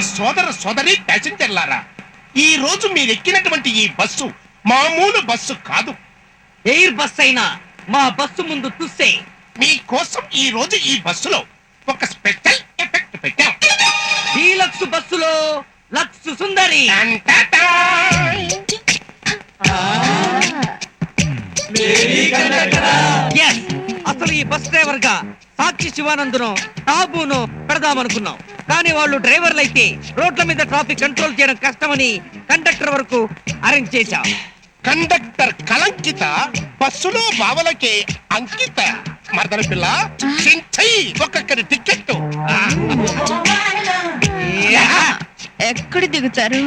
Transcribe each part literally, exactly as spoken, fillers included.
సోదర సోదరి ప్యాసింజర్లారా, ఈ రోజు మీరు ఎక్కినటువంటి ఈ బస్సు మామూలు బస్సు కాదు. ఎయిర్ బస్ అయినా మా బస్సు ముందు తుస్సే. మీకోసం ఈ రోజు ఈ బస్సులో ఒక స్పెషల్ ఎఫెక్ట్ పెట్టాం. డీలక్స్ బస్సులో లక్స్ సుందరి. Yes, అసలు ఈ బస్ డ్రైవర్ గా సాక్షి శివానందును టాబును పెడదామనుకున్నాం. కానీ వాళ్ళు డ్రైవర్లు అయితే రోడ్ల మీద ట్రాఫిక్ కంట్రోల్ చేయడం కష్టమని కండక్టర్ వరకు అరేంజ్ చేశాం. కండక్టర్ కలంకిత బస్సులో బావలకే అంకిత. మరదల పిల్ల చించై ఒక్కొక్కరి టికెట్. ఎక్కడ దిగుతారు?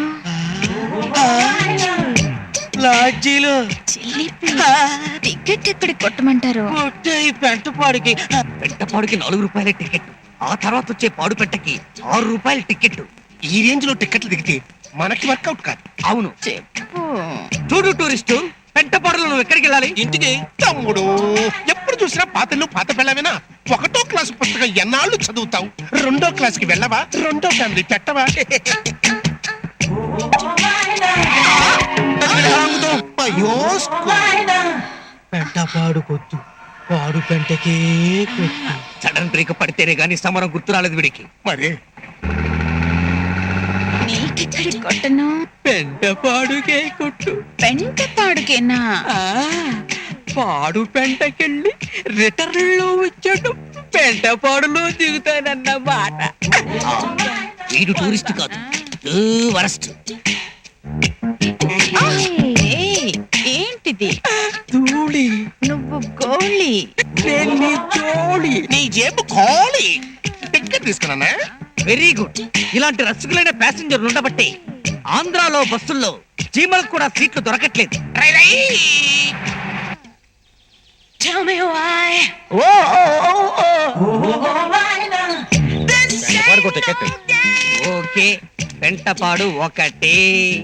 లాడ్జీలో. టికెట్ ఎక్కడికి కొట్టమంటారు? పెంటపాడుకి. పెంటపాడుకి నాలుగు రూపాయల టికెట్. ఆ తర్వాత వచ్చే పాడు పెట్టకి ఆరు రూపాయల టికెట్. ఈ రేంజ్ లో టికెట్లు దిగితే మనకి వర్కౌట్ కాదు. అవును. చెప్పు. చూడు టూరిస్టు, పెంటపాడులో నువ్వు ఎక్కడికి వెళ్ళాలి? ఇంటికి. తమ్ముడు, ఎప్పుడు చూసినా పాతలు పాత పిల్లవేనా? ఒకటో క్లాసు పుస్తకం ఎన్నాళ్ళు చదువుతావు? రెండో క్లాస్ కి వెళ్ళవా? రెండో ఫ్యామిలీ పెట్టవా? పెంటపాడు కొద్దు, పాడు పెంటకే కొద్దు. సడన్ బ్రేక్ పడితేనే గాని సమరం గుర్తు రాలేదు వీడికి. మరి నీకెక్కడికి కొట్టను? పెంటపాడుకే కొట్టు. పెంట పాడుకేనా? పాడు పెంటకెళ్ళి రిటర్న్ లో వచ్చాడు, పెంటపాడులో దిగుతానన్న మాట. వీడు టూరిస్ట్ కాదు, వరస్ట్. ఏంటిది? ధూళి. నువ్వు గోళి. జోళి. నీ జేబు ఖాళీ. టికెట్ తీసుకున్నా. Very good. ఇలాంటి రసికులైన ప్యాసింజర్లు ఉండబట్టే ఆంధ్రాలో బస్సుల్లో చీమలకు కూడా సీట్లు దొరకట్లేదు. ఓకే, పెంటపాడు ఒకటే.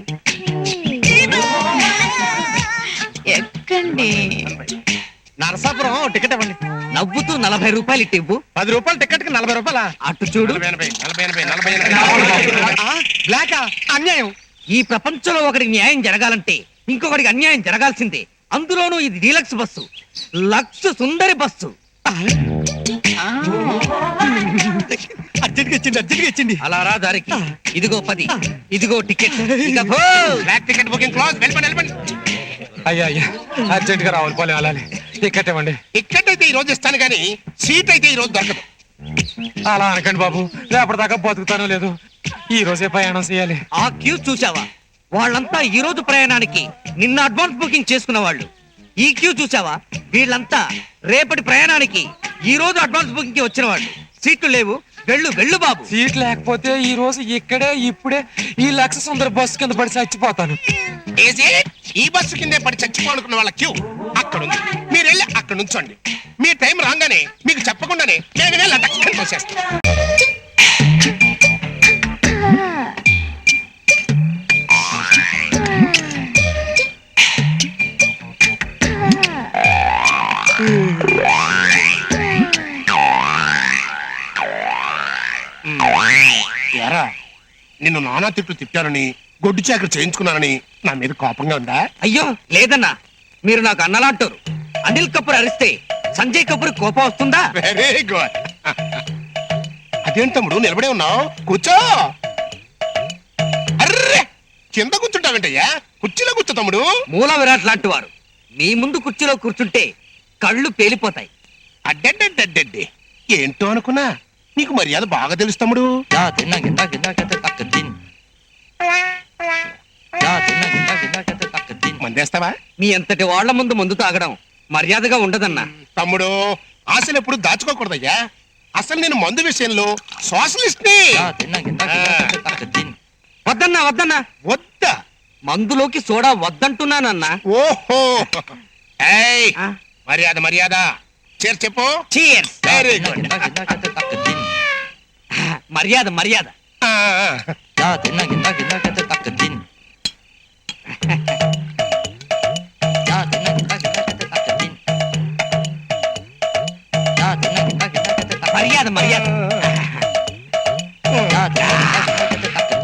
ఎక్కండి. నరసాపురం టికెట్ ఇవ్వండి. నవ్వుతూ నలభై రూపాయలు ఇట్టి ఇవ్వు. పది రూపాయలు టికెట్ కి నలభై రూపాయల. అటు చూడు. బ్లాకా? అన్యాయం. ఈ ప్రపంచంలో ఒకరికి న్యాయం జరగాలంటే ఇంకొకరికి అన్యాయం జరగాల్సిందే. అందులోనూ ఇది డీలక్స్ బస్సు, లక్స్ సుందరి బస్సు. అర్జెంట్గా ఇచ్చింది, అర్జెంట్గా ఇచ్చింది. అలా రా దారికి. ఇదిగో పది, ఇదిగో టికెట్. Ticket booking close. వెళ్ళిపోండి, వెళ్ళిపోండి. అయ్యా అయ్యా, అర్జెంట్ గా రావాలి. పోలే అలానే టికెట్ ఇవ్వండి. టికెట్ అయితే ఈ రోజు ఇస్తాను కానీ సీట్ అయితే ఈ రోజు దొరకదు. అలా అనకండి బాబు, రేపటిదాకా బతుకుతానో లేదు. ఈ రోజే ప్రయాణం చేయాలి. ఆ క్యూ చూసావా? వాళ్ళంతా ఈ రోజు ప్రయాణానికి నిన్న అడ్వాన్స్ బుకింగ్ చేసుకున్న వాళ్ళు. ఈ క్యూ చూసావా? వీళ్ళంతా రేపటి ప్రయాణానికి ఈ రోజు అడ్వాన్స్ బుకింగ్ కి వచ్చిన వాళ్ళు. సీట్లు లేవు, వెళ్ళు వెళ్ళు బాబు. సీట్ లేకపోతే ఈ రోజు ఇక్కడే ఇప్పుడే ఈ లక్ష సుందర బస్సు కింద పడి చచ్చిపోతాను. ఈ బస్సు కిందే పడి చచ్చిపోనుకున్న వాళ్ళ క్యూ అక్కడ ఉంది. మీరు వెళ్ళి అక్కడ నుంచోండి. మీ టైం రాగానే మీకు చెప్పకుండానే నేను వెళ్ళి అటక్కని పోసేస్తాను. ఎరా, నిన్ను నానా తిట్లు తిట్టారని, గొడ్డు చాకరి చేయించుకున్నారని నా మీద కోపంగా ఉందా? అయ్యో లేదన్నా, మీరు నాకు అన్నలాంటారు. అనిల్ కపూర్ అరిస్తే సంజయ్ కపూర్ కోపం వస్తుందా? Very good. అదేంటి తమ్ముడు నిలబడే ఉన్నావు? కూర్చో. అర్రే, కింద కూర్చుంటావేంటయ్యా? కుర్చీలో కూర్చో తమ్ముడు. మూల విరాట్ లాంటి వారు మీ ముందు కుర్చీలో కూర్చుంటే కళ్ళు పేలిపోతాయి. అడ్డడ్డడ్డడ్డే, ఏంటో అనుకున్నా. నీకు మర్యాద బాగా తెలుసు తమ్ముడు. మందేస్తావా? మీ అంతటి వాళ్ల ముందు మందు తాగడం మర్యాదగా ఉండదన్నా. తమ్ముడు, ఆశలు ఎప్పుడు దాచుకోకూడదయ్యా. అసలు నేను మందు విషయంలో సోషలిస్ట్ ని. వద్దన్నా వద్దన్నా. వద్దా? మందులోకి సోడా వద్దంటున్నానన్నా. ఓహో, ఏయ్ మర్యాద మర్యాద. చేర్ చెప్పు. చీర్స్. Very good. మర్యాద మర్యాద. మర్యాద మర్యాద.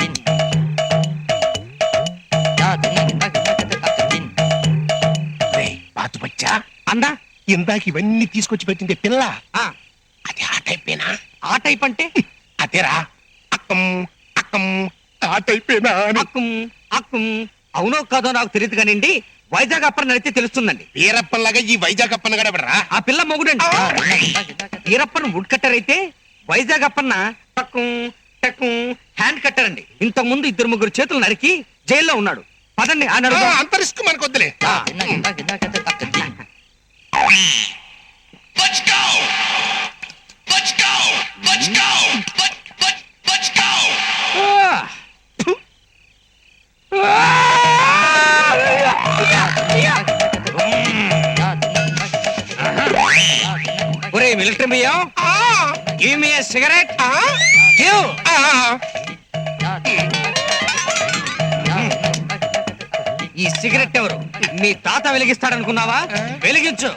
ఇందాక ఇవన్నీ తీసుకొచ్చి పెట్టింది పిల్ల ఆ, అది ఆ టైపేనా? ఆ టైప్ అంటే అదేరా అక్కం అక్కం ఆ టైపేనా అని. అక్కుం అక్కుం అవునో కాదో నాకు తెలియదు కానివ్వండి, వైజాగ్ అప్పని నడితే తెలుస్తుందండి. వీరప్పన్లాగా ఈ వైజాగ్ అప్పన్న గడబడరా? ఆ పిల్ల మొగుడండి. ఈరప్పన్ వుడ్ కట్టర్ అయితే వైజాగ్ అప్పన్న టక్కుం టక్కుం హ్యాండ్ కట్టర్ అండి. ఇంతకు ముందు ఇద్దరు ముగ్గురు చేతులు నరికి జైల్లో ఉన్నాడు. పదండి ఆ నడుగు. అంత రిస్క్ మనకు వద్దులే. ఒరే మిలిటరీ బియ్యం, ఆ, గివ్ మీ సిగరెట్. ఆ, గివ్. ఆ. ఈ సిగరెట్ ఎవరు? మీ తాత వెలిగిస్తాడనుకున్నావా? వెలిగించు.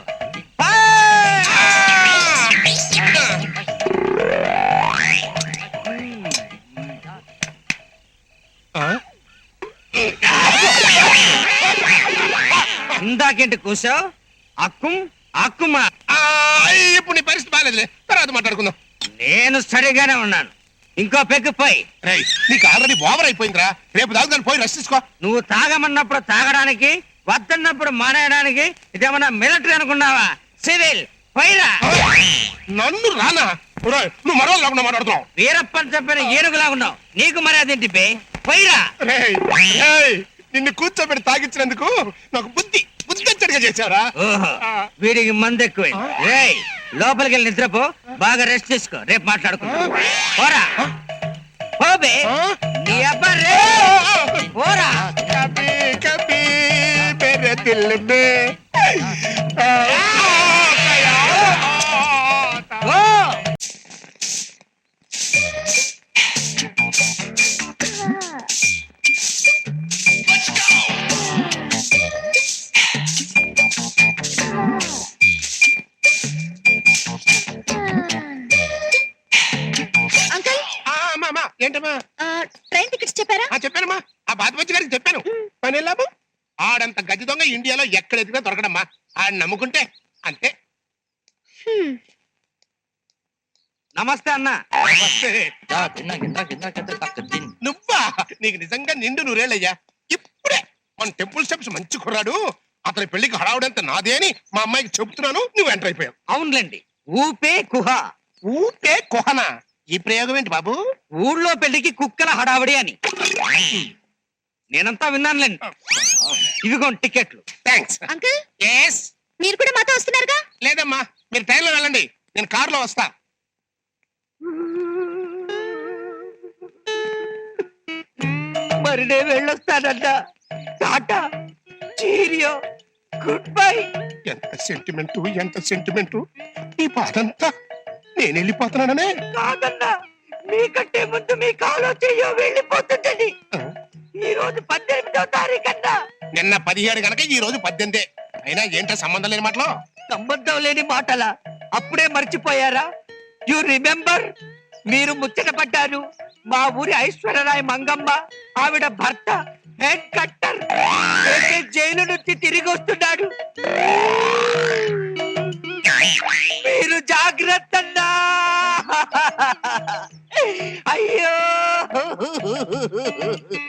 ఆ? ఇందాకేంటి కూసావు? అక్కుం అక్కుమా. ఆ, ఇప్పుడు నీ పరిస్థితి బాగాలేదులే, తర్వాత మాట్లాడుకుందాం. నేను సరిగానే ఉన్నాను. ఇంకో పెగ్గు పోయి. రేయ్, నీకు ఆల్రెడీ ఓవర్ అయిపోయిందిరా. రేపు దాకా పోయి రెస్ట్ తీసుకో. నువ్వు తాగమన్నప్పుడు తాగడానికి, వద్దన్నప్పుడు మానేయడానికి ఇదేమన్నా మిలిటరీ అనుకున్నావా? సివిల్ పోయిరా. నన్ను రానా? ఒరేయ్, నువ్వు మరో లేకుండా మాట్లాడుతున్నావు. వీరప్పని చెప్పిన ఏనుగులా ఉన్నావు. నీకు మర్యాద ఏంటి బే? పోయిరా. రేయ్, రేయ్, నిన్ను కూర్చోబెట్టి తాగించినందుకు నాకు బుద్ధి బుద్ధి వచ్చడిగా చేశారా? ఓహో, వీడికి మందు ఎక్కువ. రేయ్, లోపలికి వెళ్ళి నిద్రపో, బాగా రెస్ట్ తీసుకో, రేపు మాట్లాడుకుందాం. పోరా పోబే. నీ అబ్బా రే. పోరా. కభీ కభీ మేరే దిల్ మే ఆ, కయా తా. ఓ అంకుల్, ఆ, అమ్మా, అమ్మా, ఏంటమ్మా? ఆ, ట్రైన్ టికెట్స్ చెప్పారా? ఆ, చెప్పానమ్మా. ఆ బాధపచ్చి గారికి చెప్పాను. పని వెళ్ళాము. ఆడంత గది దొంగ ఇండియాలో ఎక్కడ ఎదిగినా దొరకడమ్మా. ఆడ నమ్ముకుంటే అంతే. హ్మ్. నమస్తే అన్న. వస్తే నువ్వా? నీకు నిజంగా నిండు నూరేళ్ళయ్యా. ఇప్పుడే మన టెంపుల్ స్టెప్స్ మంచి కుర్రాడు, అతని పెళ్లికి హడావుడంతా నాదే అని మా అమ్మాయికి చెబుతున్నాను. నువ్వు ఎంటర్ అయిపోయావు. అవునులేండి, ఊపే కుహ. ఊటే కుహన. ఈ ప్రయోగం ఏంటి బాబు? ఊళ్ళో పెళ్లికి కుక్కల హడావిడి అని నేనంతా విన్నానులేండి. ఇవిగోండి టికెట్లు. థ్యాంక్స్. Uncle, yes. మీరు కూడా మాతో వస్తున్నారుగా? లేదమ్మా, మీరు ట్రైన్లో వెళ్ళండి, నేను కారులో వస్తా. మరి నేను వెళ్ళొస్తానంట. Tata, cheerio, good bye. ఎంత సెంటిమెంటు, ఎంత సెంటిమెంటు. ఈ బాధంతా నేను వెళ్ళిపోతున్నాననే. కాదన్నా, మీకంటే ముందు మీ కాలో చెయ్యో వెళ్ళిపోతుందని. ఈ రోజు పద్దెనిమిదో తారీఖు అన్నా. నిన్న పదిహేడు గనక ఈ రోజు పద్దెనిమిదే. అయినా ఏంటో సంబంధం లేని మాటలో. సంబంధం లేని మాటలా? అప్పుడే మర్చిపోయారా? You remember? మీరు ముచ్చట పడ్డారు. మా ఊరి ఐశ్వర్యరాయ్ మంగమ్మ, ఆవిడ భర్త హెడ్ కట్టర్ ఏకే జైలు నుంచి తిరిగి వస్తున్నాడు. మీరు జాగ్రత్త అన్నా. అయ్యో